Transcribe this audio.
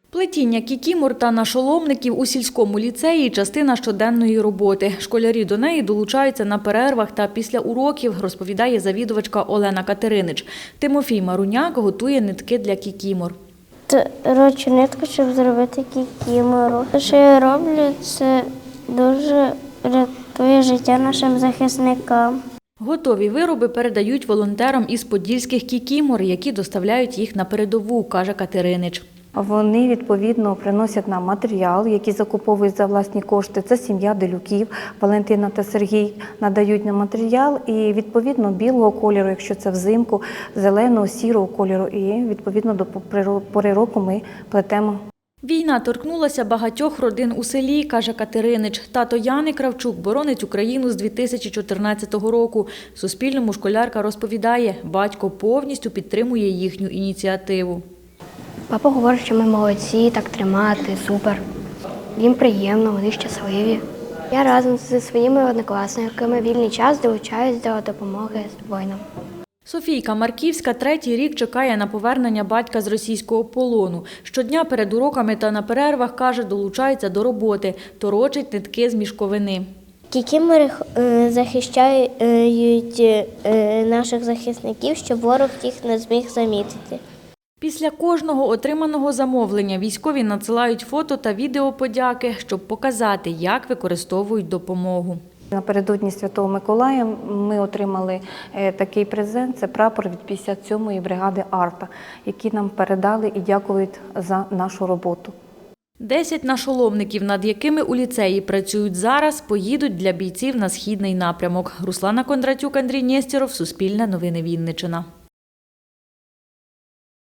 Плетіння кікімор та нашоломників у сільському ліцеї – частина щоденної роботи. Школярі до неї долучаються на перервах та після уроків, розповідає завідувачка Олена Катеринич. Тимофій Маруняк готує нитки для кікімор. Торочу нитку, щоб зробити кікімору. Те, що я роблю, це дуже рятує життя нашим захисникам. Готові вироби передають волонтерам із подільських кікімор, які доставляють їх на передову, каже Катеринич. Вони, відповідно, приносять нам матеріал, який закуповують за власні кошти. Це сім'я Делюків, Валентина та Сергій надають нам матеріал і, відповідно, білого кольору, якщо це взимку, зеленого, сірого кольору. І, відповідно, до пори року ми плетемо. Війна торкнулася багатьох родин у селі, каже Катеринич. Тато Яни Кравчук боронить Україну з 2014 року. Суспільному школярка розповідає, батько повністю підтримує їхню ініціативу. Папа говорить, що ми молодці, так тримати, супер. Їм приємно, вони щасливі. Я разом зі своїми однокласниками вільний час долучаюсь до допомоги воїнам. Софійка Марківська третій рік чекає на повернення батька з російського полону. Щодня перед уроками та на перервах, каже, долучається до роботи, торочить нитки з мішковини. Кікімори захищають наших захисників, щоб ворог їх не зміг замітити. Після кожного отриманого замовлення військові надсилають фото та відео подяки, щоб показати, як використовують допомогу. Напередодні Святого Миколая ми отримали такий презент – це прапор від 57-ї бригади «Арта», які нам передали і дякують за нашу роботу. 10 нашоломників, над якими у ліцеї працюють зараз, поїдуть для бійців на східний напрямок. Руслана Кондратюк, Андрій Нєстєров, Суспільне новини Вінниччина.